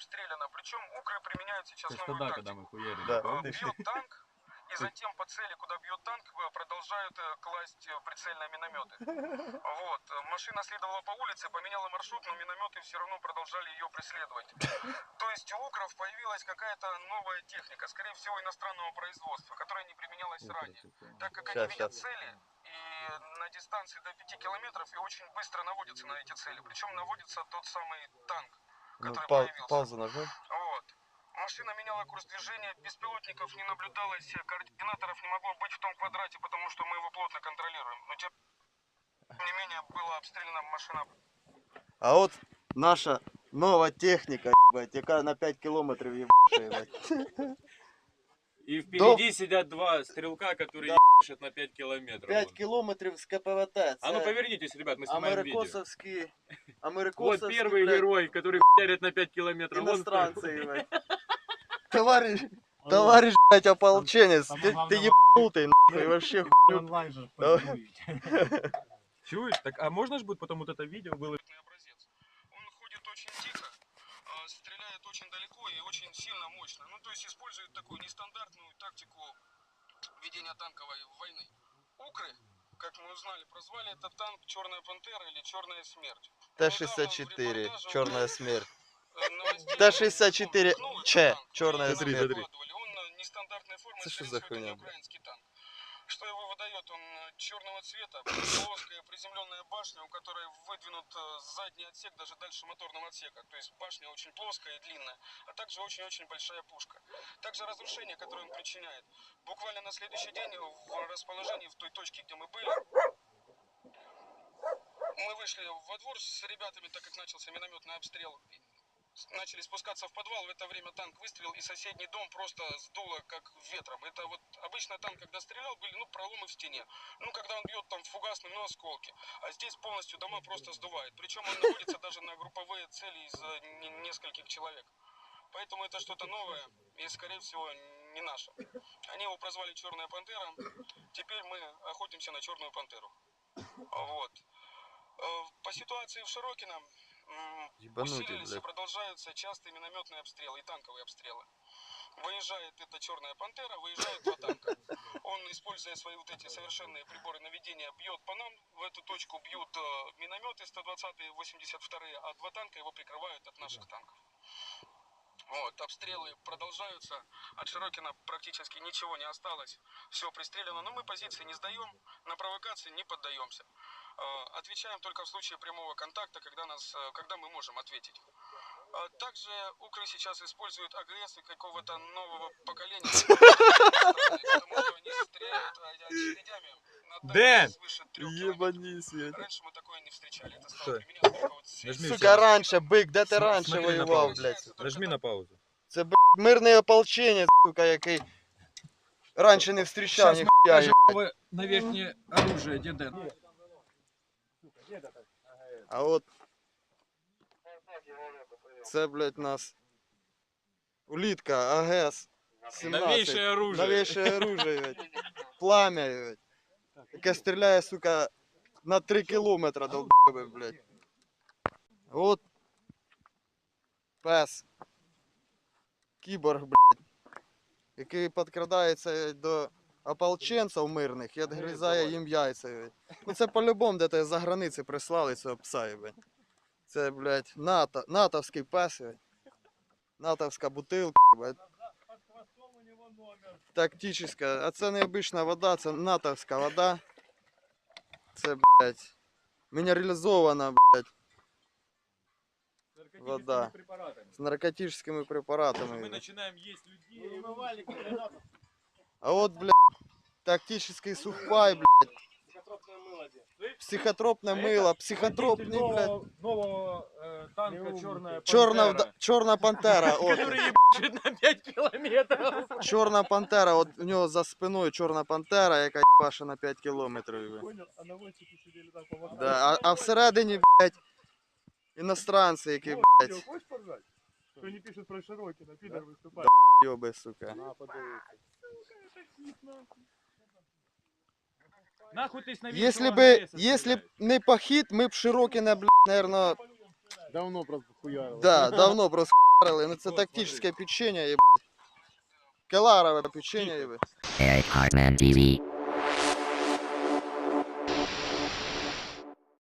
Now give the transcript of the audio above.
обстреляна. Причем укры применяют сейчас Это новую тогда, тактику. когда мы хуярили. Бьет танк, и затем по цели, куда бьет танк, продолжают класть прицельные минометы. Вот. Машина следовала по улице, поменяла маршрут, но минометы все равно продолжали ее преследовать. То есть у укров появилась какая-то новая техника, скорее всего иностранного производства, которая не применялась ранее. Так как они видят цели и на дистанции до 5 километров и очень быстро наводятся на эти цели. Причем наводится тот самый танк, который появился. Паузу нажмем. Вот. Машина меняла курс движения, беспилотников не наблюдалось, координаторов не могло быть в том квадрате, потому что мы его плотно контролируем. Но тем не менее была обстреляна машина. А вот наша новая техника, ебать, яка на 5 километров ебашит. И впереди сидят два стрелка, которые ебашат на 5 километров. 5 километров с КПВТ. А ну повернитесь, ребят, мы снимаем видео. Америкосовский, вот первый герой, который хуярит на 5 километров. Иностранцы, ебать. Товарищ, блядь, ополченец, ты ебанутый, нахуй, вообще хуйню. Онлайн же Чуешь? Так, а можно же будет потом вот это видео было? Образец. Он ходит очень тихо, стреляет очень далеко и очень сильно мощно. Ну, то есть использует такую нестандартную тактику ведения танковой войны. Укры, как мы узнали, прозвали этот танк «Черная пантера» или «Черная смерть». Т-64, «Черная смерть». Т-64, Ч, «Черная смерть». Он нестандартной формы, Это что скорее за всего, это не хуйня? украинский танк. Что его выдает? Он черного цвета, плоская приземленная башня, у которой выдвинут задний отсек даже дальше моторного отсека. То есть башня очень плоская и длинная, а также очень-очень большая пушка. Также разрушение, которое он причиняет. Буквально на следующий день в расположении, в той точке, где мы были, мы вышли во двор с ребятами, так как начался минометный обстрел. Начали спускаться в подвал, в это время танк выстрелил, и соседний дом просто сдуло как ветром. Это вот обычно танк, когда стрелял, были проломы в стене. Когда он бьет там фугасным, осколки. А здесь полностью дома просто сдувает. Причем он наводится даже на групповые цели из нескольких человек. Поэтому это что-то новое и, скорее всего, не наше. Они его прозвали «Черная пантера». Теперь мы охотимся на «Черную пантеру». Вот. По ситуации в Широкино усилились и продолжаются частые минометные обстрелы и танковые обстрелы. Выезжает эта «Черная пантера», выезжают два танка. Он, используя свои вот эти совершенные приборы наведения, бьет по нам. В эту точку бьют минометы 120-е, 82-е, а два танка его прикрывают от наших танков. Вот, обстрелы продолжаются. От Широкина практически ничего не осталось. Все пристреляно, но мы позиции не сдаем, на провокации не поддаемся. Отвечаем только в случае прямого контакта, когда мы можем ответить. Также укры сейчас используют АГС какого-то нового поколения, потому что они стреляют очередями на свыше 3 километров. Раньше мы такое не встречали. Это стало применяться только вот Сука, раньше, бык, де ти раніше воював, блядь? Нажми на паузу. Це, блядь, мирний ополченець, сука, який раніше не зустрічав ніхуя, їбать. На верхнее оружие, Деден. А от це, блядь, нас улітка АГС-17. Новейшее оружие. Новейшее оружие, блядь. Пламя, блядь. Яке стріляє, сука, на 3 кілометри, долбоєбе, блядь. От пес. Кіборг, блядь. Який підкрадається до ополченців мирних і відгризає їм яйця, блядь. Ну це по-любому де-то за границі прислали цього пса, блядь. Це, блядь, натовський пес, блядь. Натовська бутилка, блядь. Тактична. А це не обична вода, це натовська вода. Це, блядь, мінералізована, блядь, вода. З наркотичними препаратами. Мы начинаем есть людей. А от, блядь, тактичний сухпай, блядь. Психотропне мило, психотропний, блядь. Нового танка Чорна пантера, от. который ебашит на 5 километров. Чорна пантера, от у нього за спиною чорна пантера, яка їбаше на 5 кілометрів. Да, а всередині, блядь, іностранці, які, блядь, Кто не пишет про Широкино, пидор выступает. йоби, сука. Нахуй ты с Если б не похід, ми б Широкине, блядь, наверное, Давно просто хуярил. да, давно просто жарили, ну це тактичне печенье, єбать. Келарове печенье, єбать. Eric Hartman TV.